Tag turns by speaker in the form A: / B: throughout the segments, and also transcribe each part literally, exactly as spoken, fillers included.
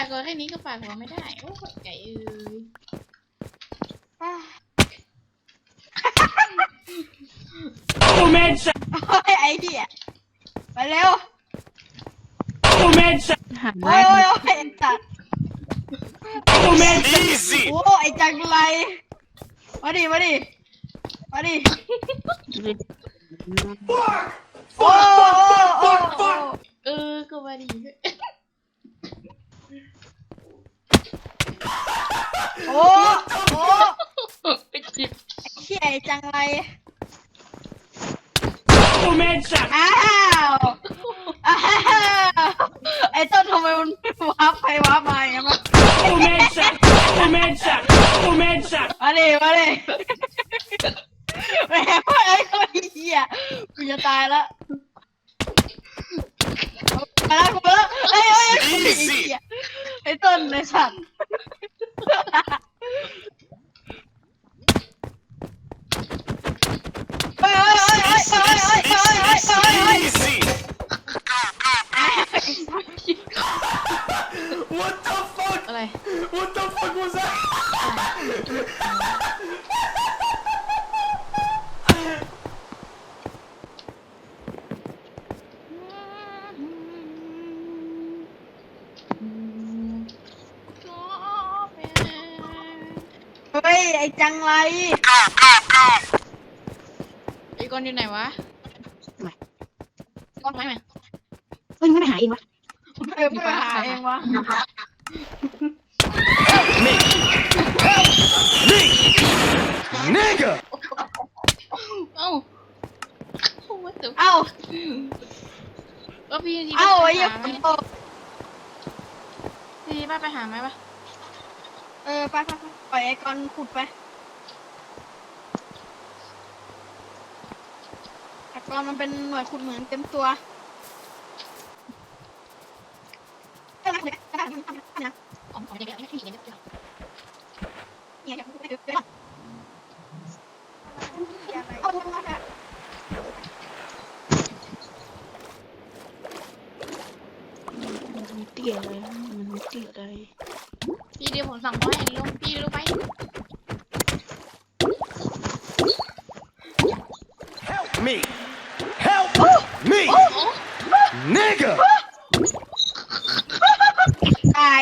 A: ากหัวแค่นี้ก็ฝากหัวไม่ได้โอ้ยไก่เอ้ย
B: โอเมนส์
C: โอ้ยไอ้เหี้ยไปเร็ว
B: โอเมนส์
C: โอ้ยโอ้ยโอ้ยจัด
B: โอเมนส์
C: โอ้ไอ้จังไรมาดิมาดิมาดิโอ้โอ้โอ้
A: เออก็มาดี
C: โอ้โอ้
A: ไปจิบ
C: ไอ้เหี้ยไอ้จังไร
B: โอเมนส์
C: อ้าวอ้าวไอ้ต้นทำไมมันวับไปวับมาอย่างเงี้ย
B: โอเมนส์โอเมนส์โอเมนส์
C: มาดิมาดิแม่ไอ้คนเหี้ยกูจะตายแล้วมาแล้วกูแล้วไอ้ไอ้ไอ้เหี้ยไอ้ต้นไอ้สัตว์เฮ้ยเฮ้ยเฮ้ยเฮ้ยเฮ้ยเฮ้ยเฮ้ยเฮ้ยเฮ้ย
B: What the fuck
A: อะไร
B: What the fuck was that
C: เฮ้ยไอ้จังไร
A: ไอ้ก้อนอยู่ไหนวะไม่ก้อนไม้ไหม
D: เฮ้ยมันไม่หาเองวะ
C: เออไปหาเองวะ
B: Nigga
A: เอ้าว่าแต่
C: เอ้า
A: ว่าพี่ดี
C: เอ้าไอ้
A: ไป
C: เหี้ย
A: หาไห
C: ฝ
A: ม
C: นตก
A: พี่ดีป้าไปหาไหมปะ
C: เออไปไปไปปล่อยไอ้กอนขุดไปไอ้กอนมันเป็นหน่วยขุดเหมืองเต็มตัวเอ้ยนะเดี๋ยวนะเดี๋ยวนะเดี๋ยวนะ
A: อ๋ออ๋อเดี๋ยวเดี๋ยวไม่ใช่อย่างนี้เดี๋ยว
C: เนี่ยเดี๋ยวเดี๋ยวเดี๋ยวเดี๋ยวเอาดูนะ
D: มันเตี้ยอะไรมันเตี้ยอะไร
A: พี่เดี๋ยวผมสั่งเขาให้ลงพี่ลงไป
B: Help me Help me Nigga
C: ตาย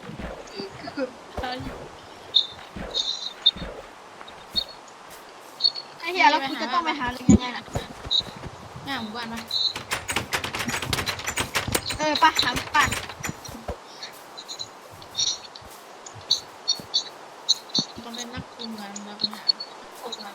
C: ไอ้เหี้ยแล้วกูจะต้องไปหาหรือยังไงล่ะ
A: หน้าหมู่บ้านปะ
C: เออปะหาป่าน
A: ต้องเป็นนักคุมงานเราไปหาคุมงาน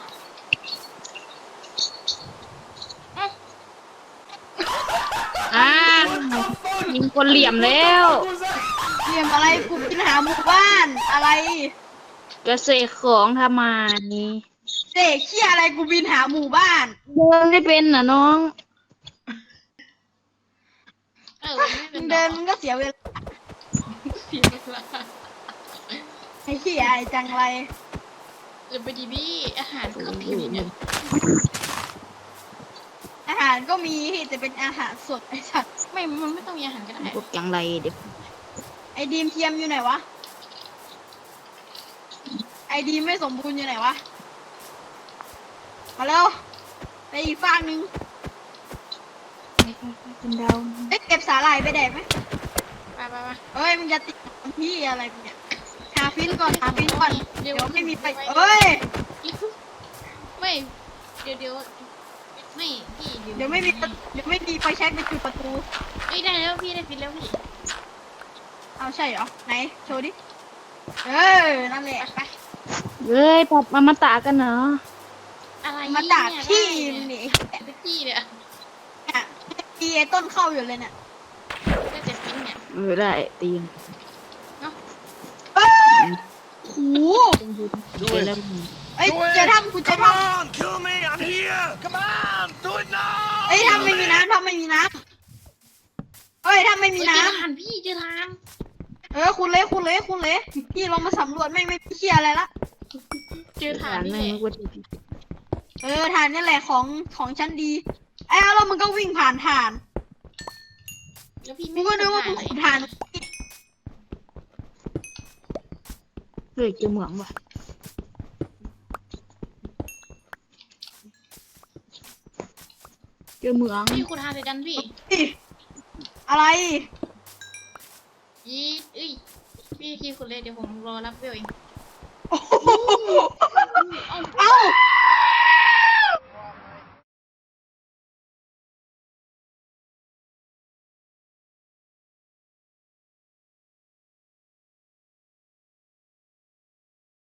D: อ่ายิงคนเหลี่ยมแล้ว
C: เรียมอะไรกูกินหาหมู่บ้านอะไร
D: จะเสกของทำไม
C: เด็กเหี้ยอะไรกูบินหาหมู่บ้าน
D: เดินไม่เป็นน่ะน้อง
A: เออไม่เป็
C: มึ
A: น
C: งเดินมึงก็เสียเวลา
A: เสียเวลา
C: ไอ้เหี้ยไอ้จังไร
A: เออไปดีบี้อาหารก็มีเนี่ย
C: อาหารก็มีแต่เป็นอาหารสดไอ้สัตว์
A: ไม่มันไม่ต้องมีอาหารก็ได้
D: พวกจังไรเด็ก
C: ไอ้ดีมเทียมอยู่ไหนวะไอ้ดีมไม่สมบูรณ์อยู่ไหนวะมาเร็วไปอีกฝั่งหนึ่ง
D: เป็นดาว
C: เอ้ยเก็บสาหร่ายไปแดกไหม
A: ไปไปไป
C: เอ้ยมึงจะติดพี่อะไรกูเนี่ยหาฟินก่อนหาฟินก่อนเดี๋ยวไม่มีไป
A: เอ้
C: เอ้ย
A: ไม่เดี๋ยวเดี๋ยวไม่พี่
C: เดี๋ยวไม่มีเดี๋ยวไม่มีไฟแช็กไปจุดประตู
A: เอ้ยได้แล้วพี่ได้ฟินแล้วพี่
C: เอาใช่เหรอไหนโชว์ดิเออนั่นแหละไป
D: เฮ้ยปอบมามาตากันเนาะ
A: อะไร
C: มาจากที่นี่
A: พี่เนี่ย
C: เนี่ยที่ไอ้ต้นเข้าอยู่เลยเนี่ย
A: ก็จะฟินเนี่ย
D: เออได้ตีน
C: เอ้ยโห
D: เป็นแล้ว
C: เอ้ยเจะทำกูจะ
B: Come
C: ท
B: on kill me I'm here Come on do it now
C: ำเอ้ยทำไม่มีน้ำทำไม่มีน้ำเอ้ยทำไม่มีน้
A: เจอทานพี่เจอทาน
C: ำเออคุณเละคุณเละคุณเละพี่ลองมาสำรวจไม่ไม่เชี่ยอะไรละ
A: เจอทาน
D: ไม่
A: นี่แหละ
D: ว่าจะ
C: เออฐานนี่แหละของของฉันดีไอ้แล้วมึงก็วิ่งผ่านฐาน
A: แล้วพี่
C: กู
A: ไม่
C: ก็นึกว่า
A: ทา
C: มึ
A: น
C: ง
A: เลย
C: ขุดฐาน
D: เฮ้ยเจอเหมืองว่ะเจอเหมือง
A: พี่คุณหาเสร็จกันพี่
C: อะไร
A: ยีเอ้ยพี่พี่คุณเลยเดี๋ยวผมรอรับเวลเอง
C: โอ้โห
A: เอ้า